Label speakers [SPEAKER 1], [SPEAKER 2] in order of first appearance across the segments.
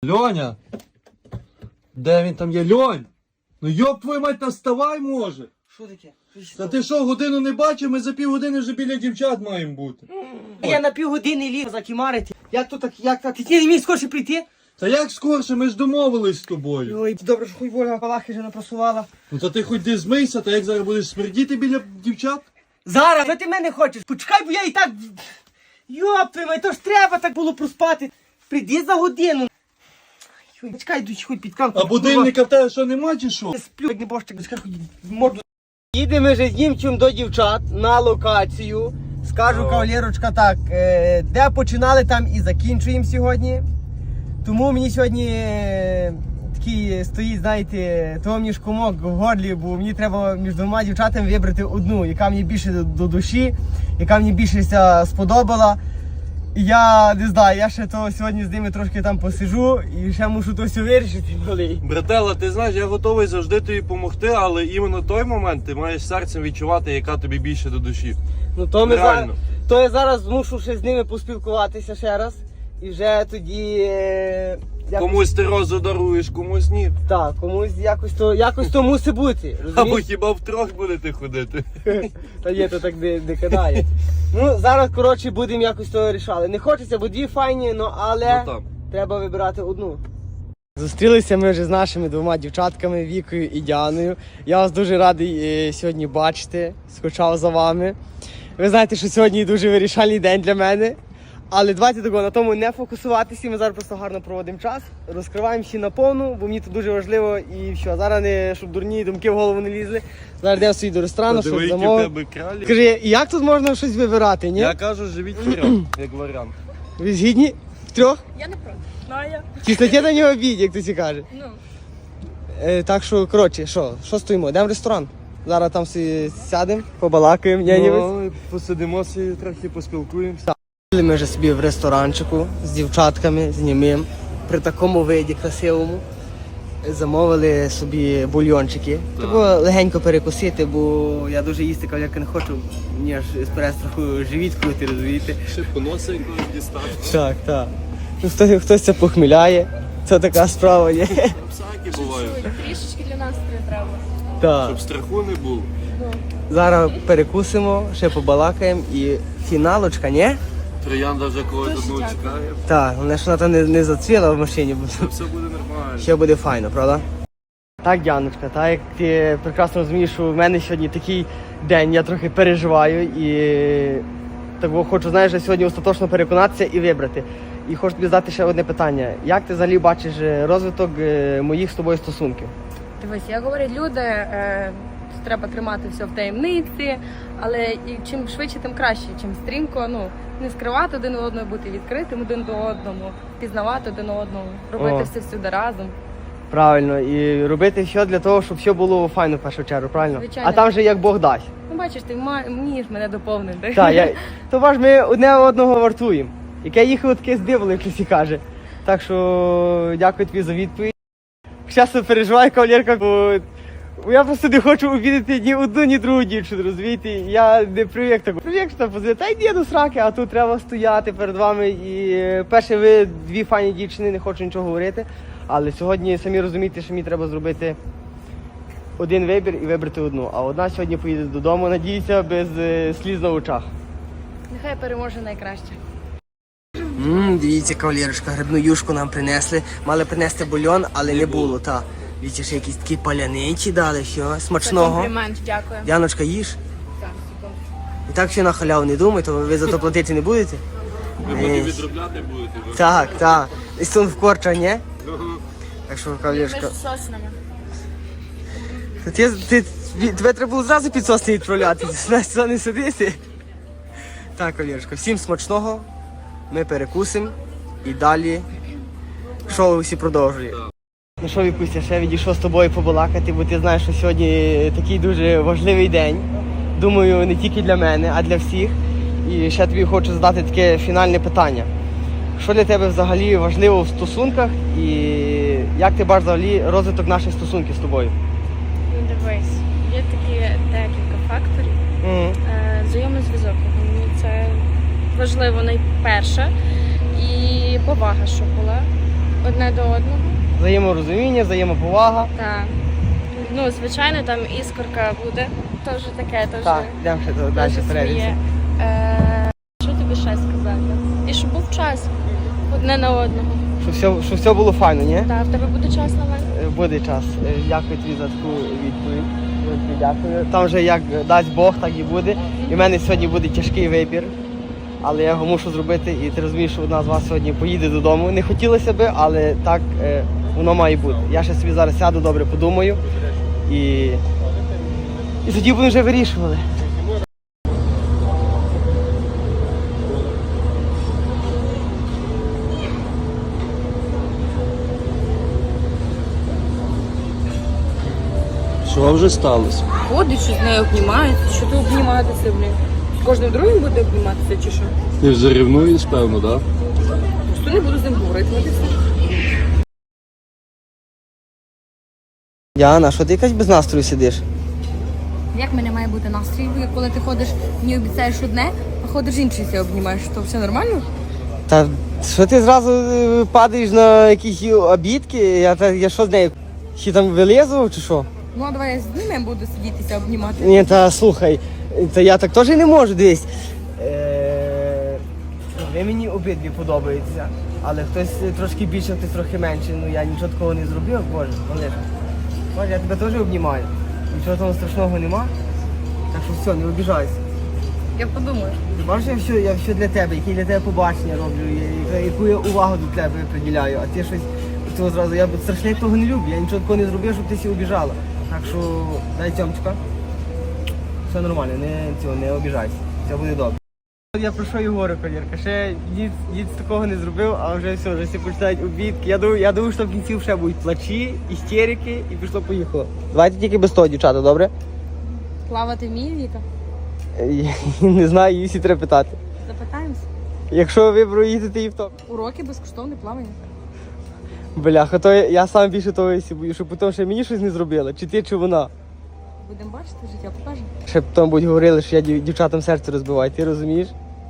[SPEAKER 1] Льоня! Де він там є? Льонь! Ну йоп твою мать, наставай може!
[SPEAKER 2] Що таке?
[SPEAKER 1] Та ти що, годину не бачив? Ми за півгодини вже біля дівчат маємо бути.
[SPEAKER 2] Я на півгодини ліг закимарити. Як то так, як так? Ти не міг скорше прийти?
[SPEAKER 1] Та як скорше, ми ж домовились з тобою.
[SPEAKER 2] Ой, добре, що хуй воля палахи вже напросувала.
[SPEAKER 1] Ну та ти хоч де змийся, та як зараз будеш смердіти біля дівчат?
[SPEAKER 2] Зараз, що ти мене хочеш? Почекай, бо я і так... Йоп, твій май, то ж треба так було проспати. Прийди за годину. Ой, почекай, йду хоч під камку.
[SPEAKER 1] А будильника в тебе що нема чи що?
[SPEAKER 2] Я сплю, як не бошчик, почекай, хоч морду. Їдемо вже з Дімчим до дівчат на локацію. Скажу, кавалерочка, так, де починали, там і закінчуємо сьогодні. Тому мені сьогодні такий стоїть, знаєте, того мені ж комок в горлі, бо мені треба між двома дівчатами вибрати одну, яка мені більше до душі, яка мені більше сподобала. І я не знаю, я ще то сьогодні з ними трошки там посижу і ще мушу то все вирішити.
[SPEAKER 3] Братела, ти знаєш, я готовий завжди тобі допомогти, але іменно той момент ти маєш серцем відчувати, яка тобі більше до душі.
[SPEAKER 2] Ну то ми
[SPEAKER 3] Реально.
[SPEAKER 2] то я зараз змушу ще з ними поспілкуватися ще раз. І вже тоді...
[SPEAKER 3] Комусь ти розу даруєш, комусь ні.
[SPEAKER 2] Так, комусь якось то мусить бути.
[SPEAKER 3] Або
[SPEAKER 2] Розумієш?
[SPEAKER 3] хіба втрьох будете ходити.
[SPEAKER 2] Та є, то так не кидає. Ну, зараз, коротше, будемо якось то рішали. Не хочеться, бо дві файні, але
[SPEAKER 3] Ну там.
[SPEAKER 2] треба вибирати одну. Зустрілися ми вже з нашими двома дівчатками, Вікою і Діаною. Я вас дуже радий сьогодні бачити, скучав за вами. Ви знаєте, що сьогодні дуже вирішальний день для мене. Але давайте такого, на тому не фокусуватися, ми зараз просто гарно проводимо час, розкриваємо всі наповну, бо мені це дуже важливо і все. Зараз не, щоб дурні думки в голову не лізли. Зараз йдемо собі до ресторану, щось
[SPEAKER 3] Диви, які в
[SPEAKER 2] замовимо.
[SPEAKER 3] тебе кралі.
[SPEAKER 2] Скажи, як тут можна щось вибирати, ні?
[SPEAKER 3] Я кажу, живіть вперед, як варіант.
[SPEAKER 2] Ви згідні? Втрьох?
[SPEAKER 4] Я не проти. Ну, а я?
[SPEAKER 2] Тісноті на нього бій, як ти каже.
[SPEAKER 4] Ну,
[SPEAKER 2] Так що, коротше, що стоїмо? Йдемо в ресторан. Зараз там всі сядемо, побалакаємо,
[SPEAKER 3] Ну, і посидимо, трохи поспілкуємося.
[SPEAKER 2] Ми вже собі в ресторанчику з дівчатками, з німим, при такому виді красивому. Замовили собі бульйончики. Треба легенько перекусити, бо я дуже їсти кавалерка не хочу, мені аж з перестраху живіт крути, розумієте?
[SPEAKER 3] Ще поноси якогось дістати.
[SPEAKER 2] Так. Ну, хтось це похміляє, це така справа є.
[SPEAKER 3] Всякі бувають.
[SPEAKER 4] трішечки для настрою треба.
[SPEAKER 2] Так.
[SPEAKER 3] Щоб страху не було.
[SPEAKER 2] Зараз перекусимо, ще побалакаємо і фіналочка, ні?
[SPEAKER 3] Троянда вже когось одного чекає.
[SPEAKER 2] Так, головне, що вона там не зацвіла в машині, бо
[SPEAKER 3] Все буде нормально.
[SPEAKER 2] ще буде файно, правда? Так, Діаночка, так як ти прекрасно розумієш, що в мене сьогодні такий день, я трохи переживаю і так хочу, знаєш, сьогодні остаточно переконатися і вибрати. І хочу тобі задати ще одне питання. Як ти взагалі бачиш розвиток моїх з тобою стосунків?
[SPEAKER 4] Дивись, як говорять люди, треба тримати все в таємниці, але і чим швидше, тим краще, чим стрімко, не скривати один одного, бути відкритим один до одному, пізнавати один одного, робити все всюди разом.
[SPEAKER 2] Правильно, і робити все для того, щоб все було файно в першу чергу, правильно?
[SPEAKER 4] Звичайно.
[SPEAKER 2] А там же як Бог дасть.
[SPEAKER 4] Ну, бачиш, ти вмієш мене доповнити.
[SPEAKER 2] Так, то важ ми одне одного вартуємо. Яке їхало, таке здивило, як хтось і каже. Так що дякую тобі за відповідь. Часто переживаю, кавалерка, бо я просто не хочу обідати ні одну, ні другу дівчину, розумієте? Я не привик такого. Привик, що там позвонити, та йди до сраки, а тут треба стояти перед вами. І перше, ви дві файні дівчини, не хочу нічого говорити. Але сьогодні самі розумієте, що мені треба зробити один вибір і вибрати одну. А одна сьогодні поїде додому, надіюся, без сліз на очах.
[SPEAKER 4] Нехай переможе найкраще.
[SPEAKER 2] Дивіться, кавалерочка, грибну юшку нам принесли. Мали принести бульйон, але не було. Та. Дивіться, ще якісь такі паляничі дали, що смачного.
[SPEAKER 4] Комплімент, дякую.
[SPEAKER 2] Діаночка, їж.
[SPEAKER 4] Так, секунду.
[SPEAKER 2] І так все на халяву не думай, то ви за то платити не будете?
[SPEAKER 3] Ви потім відробляти будете.
[SPEAKER 2] Так. І сон в корча, ні? Так що, кавалерочка.
[SPEAKER 4] Між соснами.
[SPEAKER 2] Тебе треба було зразу під сосни відправляти, ти не сидити. Так, кавалерочка, всім смачного. Ми перекусимо і далі шоу всі продовжує. Ну що, Вікуся, ще відійшов з тобою побалакати, бо ти знаєш, що сьогодні такий дуже важливий день. Думаю, не тільки для мене, а для всіх. І ще тобі хочу задати таке фінальне питання. Що для тебе взагалі важливо в стосунках і як ти бачиш взагалі розвиток наших стосунків з тобою?
[SPEAKER 4] Ну, дивись, є такі декілька факторів. Взаємний зв'язок. Мені це важливо найперше. І повага, щоб була.
[SPEAKER 5] одне до одного.
[SPEAKER 2] Взаєморозуміння, взаємоповага.
[SPEAKER 5] Так. Ну, звичайно, там іскорка буде. Теж таке, теж.
[SPEAKER 2] Так, йдемо ще далі
[SPEAKER 5] теж
[SPEAKER 2] перейдемо.
[SPEAKER 5] своє. Що тобі ще сказати? І щоб був час одне на одного.
[SPEAKER 2] Щоб все було файно, ні?
[SPEAKER 5] Так, в тебе буде час на мене?
[SPEAKER 2] Буде час. Дякую тобі за таку відповідь. Дуже дякую. Там вже як дасть Бог, так і буде. І в мене сьогодні буде тяжкий вибір. Але я його мушу зробити, і ти розумієш, що одна з вас сьогодні поїде додому. Не хотілося би, але так воно має бути. Я ще собі зараз сяду, добре подумаю. І тоді будемо вже вирішували.
[SPEAKER 3] Що вже сталося?
[SPEAKER 4] Ходить, що з нею обнімається, що ти обніматися, блін. З кожним другим буде обніматися чи що?
[SPEAKER 3] Ти вже ревнуєш, певно, так?
[SPEAKER 4] Просто не буду з ним говорити, от і все.
[SPEAKER 2] Діана, що ти якась без настрою сидиш?
[SPEAKER 4] Як в мене має бути настрій, коли ти ходиш, мені обіцяєш одне, а ходиш інший себе обнімаєш, то все нормально?
[SPEAKER 2] Та що ти зразу падаєш на якісь обідки? Я що з нею? Ще там вилізу чи що?
[SPEAKER 4] Ну, а давай я з ними буду сидітися, обнімати.
[SPEAKER 2] Ні, та слухай, та я так теж не можу дивись. Ви мені обидві подобаються, але хтось трошки більше, хтось трохи менше. Ну я нічого такого не зробив, Боже, Олеже. Боже, я тебе теж обнімаю. Нічого там страшного нема. Так що все, не обіжайся.
[SPEAKER 4] Я подумаю.
[SPEAKER 2] Ти бачиш, я все для тебе, які для тебе побачення роблю, яку я увагу до тебе приділяю, а ти щось цього зразу, я страшно того не люблю, я нічого такого не зробив, щоб ти сі обіжала. Так що дай цьомчика. Все нормально, не обіжайся, все буде добре. Я про що і говорю, колірка, ще дід такого не зробив, а вже все, вже всі починають обідки. Я думаю, що в кінці ще будуть плачі, істерики і пішло-поїхало. Давайте тільки без того, дівчата, добре?
[SPEAKER 4] Плавати вміє Віка?
[SPEAKER 2] Не знаю, її всі треба питати.
[SPEAKER 4] Запитаємося.
[SPEAKER 2] Якщо ви проїдете її в топ.
[SPEAKER 4] Уроки безкоштовне плавання.
[SPEAKER 2] Бляха, то я сам більше того бою, що потім ще мені щось не зробила, чи ти, чи вона.
[SPEAKER 4] Будемо бачити, життя покаже.
[SPEAKER 2] Ще потім будуть говорили, що я дівчатам серце розбиваю, ти розумієш?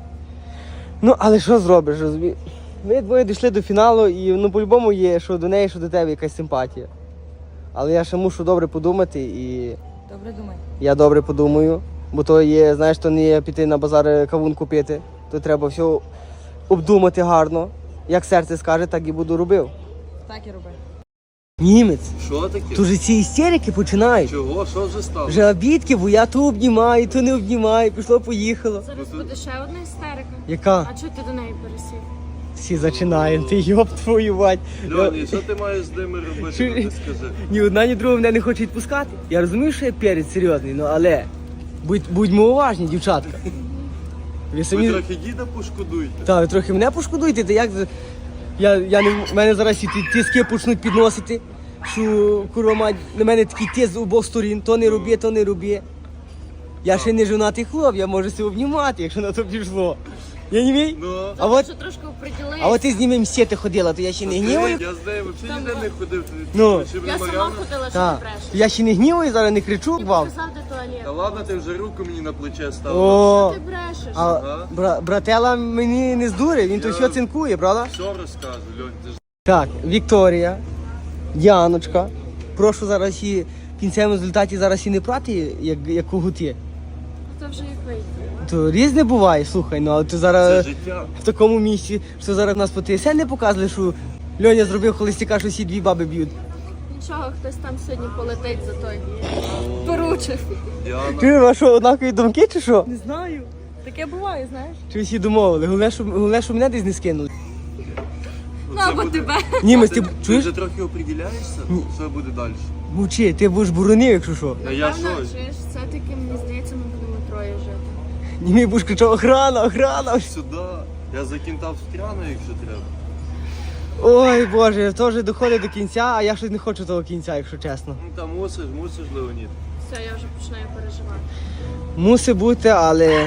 [SPEAKER 2] Ну, але що зробиш, розумієш? Ми двоє дійшли до фіналу і ну по-любому є, що до неї, що до тебе якась симпатія. Але я ще мушу добре подумати і
[SPEAKER 4] Добре думай.
[SPEAKER 2] я добре подумаю, бо то є, знаєш, то не є піти на базар кавун купити, то треба все обдумати гарно. Як серце скаже, так і буду робив.
[SPEAKER 4] Так і роби.
[SPEAKER 2] Німець,
[SPEAKER 3] Що таке?
[SPEAKER 2] тут же ці істерики починають.
[SPEAKER 3] Чого? Що вже сталося?
[SPEAKER 2] Вже обідки, бо я то обнімаю, то не обнімаю, пішло-поїхало.
[SPEAKER 5] Зараз буде ще одна істерика.
[SPEAKER 2] Яка?
[SPEAKER 5] А чого ти до неї пересів?
[SPEAKER 2] Всі починаємо, ти йоб твою мать.
[SPEAKER 3] Льоні, що ти маєш з ними робити,
[SPEAKER 2] Чи-
[SPEAKER 3] ну ти скажи?
[SPEAKER 2] Ні одна, ні друга мене не хоче відпускати. Я розумію, що я перець серйозний, ну але будьмо уважні, дівчатка. Ви
[SPEAKER 3] Ви
[SPEAKER 2] самі...
[SPEAKER 3] трохи діда пошкодуйте.
[SPEAKER 2] Так, ви трохи мене пошкодуйте, та як... Я не... мене зараз ці тиски почнуть підносити, що, курва мать, на мене такий тиск з обох сторін, то не роби, то не роби. Я ще не женатий хлоп, я можу себе обнімати, якщо на то пішло. Я не мій?
[SPEAKER 3] Ну,
[SPEAKER 2] А от,
[SPEAKER 5] Що трошки оприділися.
[SPEAKER 2] а от ти з ними мсіти ходила, то я ще не гніваю.
[SPEAKER 3] я з нею взагалі ніде не ходив.
[SPEAKER 2] Ну.
[SPEAKER 3] Чи
[SPEAKER 5] Я сама
[SPEAKER 3] Мар'яна?
[SPEAKER 5] ходила, що
[SPEAKER 2] Так.
[SPEAKER 5] ти брешеш.
[SPEAKER 2] Я ще не гніваю, зараз не кричу
[SPEAKER 5] Ти
[SPEAKER 2] вам.
[SPEAKER 5] показав, де туалет.
[SPEAKER 3] Та ладно, ти вже руку мені на плече ставила.
[SPEAKER 2] О,
[SPEAKER 5] Ти брешеш.
[SPEAKER 2] а братела мені не здурить, він то все цинкує, правда?
[SPEAKER 3] Все розкажу, Льонь, ти ж
[SPEAKER 2] Так, Вікторія, Діаночка. Прошу зараз і в кінцевому результаті зараз і не прати, як когути.
[SPEAKER 5] Це вже як вийде.
[SPEAKER 2] То різне буває, слухай, ну але ти
[SPEAKER 3] це
[SPEAKER 2] зараз
[SPEAKER 3] життя.
[SPEAKER 2] в такому місці, що зараз нас по ТСН не показали, що Льоня зробив холостяка, що всі дві баби б'ють.
[SPEAKER 5] Нічого, хтось там сьогодні полетить за той. Поручив.
[SPEAKER 3] Діана.
[SPEAKER 2] Ти а що, однакові думки чи що?
[SPEAKER 4] Не знаю. Таке буває, знаєш.
[SPEAKER 2] Чи всі домовили? Головне, що мене десь не скинули.
[SPEAKER 5] Ну або тебе.
[SPEAKER 2] Німець, ти
[SPEAKER 3] Ти
[SPEAKER 2] чуєш?
[SPEAKER 3] вже трохи оприділяєшся, що буде далі?
[SPEAKER 2] Мовчи, ти будеш буронив, якщо що.
[SPEAKER 3] А я
[SPEAKER 5] Напевно,
[SPEAKER 3] що?
[SPEAKER 5] чуєш, все-таки мені здається, ми будемо троє жити.
[SPEAKER 2] Німей будеш кричав, охрана, охрана.
[SPEAKER 3] Сюди. Я закінтав стряну, якщо треба.
[SPEAKER 2] Ой, Боже, то вже доходить до кінця, а я щось не хочу того кінця, якщо чесно.
[SPEAKER 3] Ну там мусиш, Леонід.
[SPEAKER 5] Все, я вже починаю переживати.
[SPEAKER 2] Мусить бути, але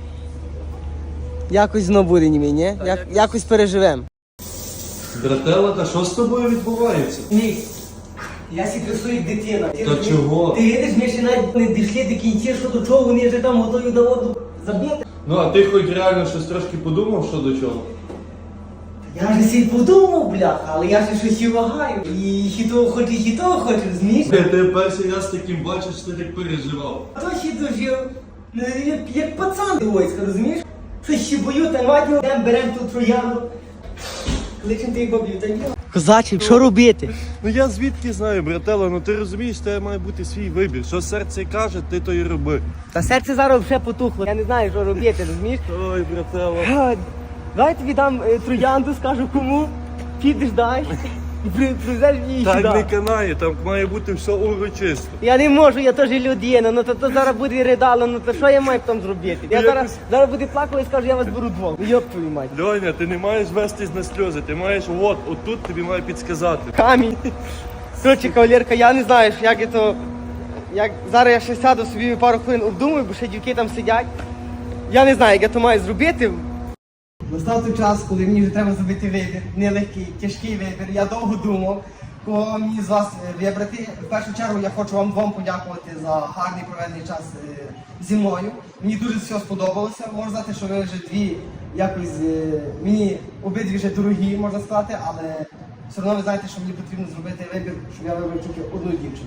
[SPEAKER 2] якось знову буде німей, ні? Якось переживемо.
[SPEAKER 3] Братела, та що з тобою відбувається?
[SPEAKER 2] Ні, я сі красую як дитина.
[SPEAKER 3] Та чого?
[SPEAKER 2] Ти видиш, ми ще навіть не дійшли до кінця, що до чого, вони вже там готові до воду забити.
[SPEAKER 3] Ну а ти хоч реально щось трошки подумав, що до чого?
[SPEAKER 2] Я вже сі подумав, бляха, але я ще щось і вагаю. І хіто хочу, розумієш?
[SPEAKER 3] Ти перший раз таким бачиш, ти так переживав.
[SPEAKER 2] А то хіто жив, ну, як пацан до війська, розумієш? Щось ще бою, та мать беремо ту троянду. Кличем ти бабів, та діло. Козачі, що робити?
[SPEAKER 3] Ну я звідки знаю, братела, ну ти розумієш, тебе має бути свій вибір. Що серце каже, ти то і роби.
[SPEAKER 2] Та серце зараз вже потухло, я не знаю, що робити, розумієш?
[SPEAKER 3] Ой, братела.
[SPEAKER 2] Давай тобі дам троянду, скажу кому, підеш дай і привезеш її
[SPEAKER 3] Так не
[SPEAKER 2] сюди.
[SPEAKER 3] канає, там має бути все урочисто.
[SPEAKER 2] Я не можу, я теж людина, ну то зараз буде ридало, ну то що я маю там зробити? Я зараз буде плакати і скажу, я вас беру двох. Ну йоп твою мать.
[SPEAKER 3] Льоня, ти не маєш вестись на сльози, ти маєш отут тобі має підсказати.
[SPEAKER 2] Камінь. Коротше, кавалерка, я не знаю, як я то... Зараз я ще сяду собі пару хвилин обдумаю, бо ще дівки там сидять. Я не знаю, як я то маю зробити. Настав той час, коли мені вже треба зробити вибір. Нелегкий, тяжкий вибір. Я довго думав, кого мені з вас вибрати. В першу чергу я хочу вам двом подякувати за гарний проведений час зі мною. Мені дуже все сподобалося. Можна сказати, що ви вже дві якось мені обидві вже дорогі, можна сказати, але все одно ви знаєте, що мені потрібно зробити вибір, щоб я вибрав тільки одну дівчину.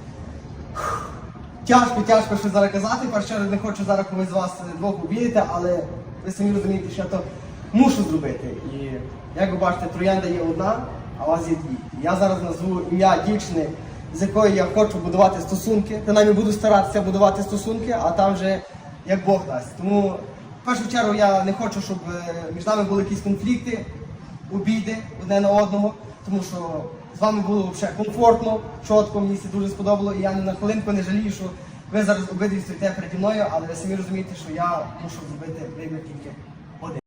[SPEAKER 2] Тяжко що зараз казати, перше не хочу зараз когось з вас двох обідати, але ви самі розумієте, що я то мушу зробити. І як ви бачите, троянда є одна, а у вас є дві. Я зараз назву ім'я дівчини, з якою я хочу будувати стосунки. Принаймні буду старатися будувати стосунки, а там вже як Бог дасть. Тому в першу чергу я не хочу, щоб між нами були якісь конфлікти, обіди одне на одного, тому що з вами було взагалі комфортно, чітко, мені це дуже сподобало, і я ні на хвилинку не жалію, що ви зараз обидві стоїте переді мною, але ви самі розумієте, що я мушу зробити вибір тільки один.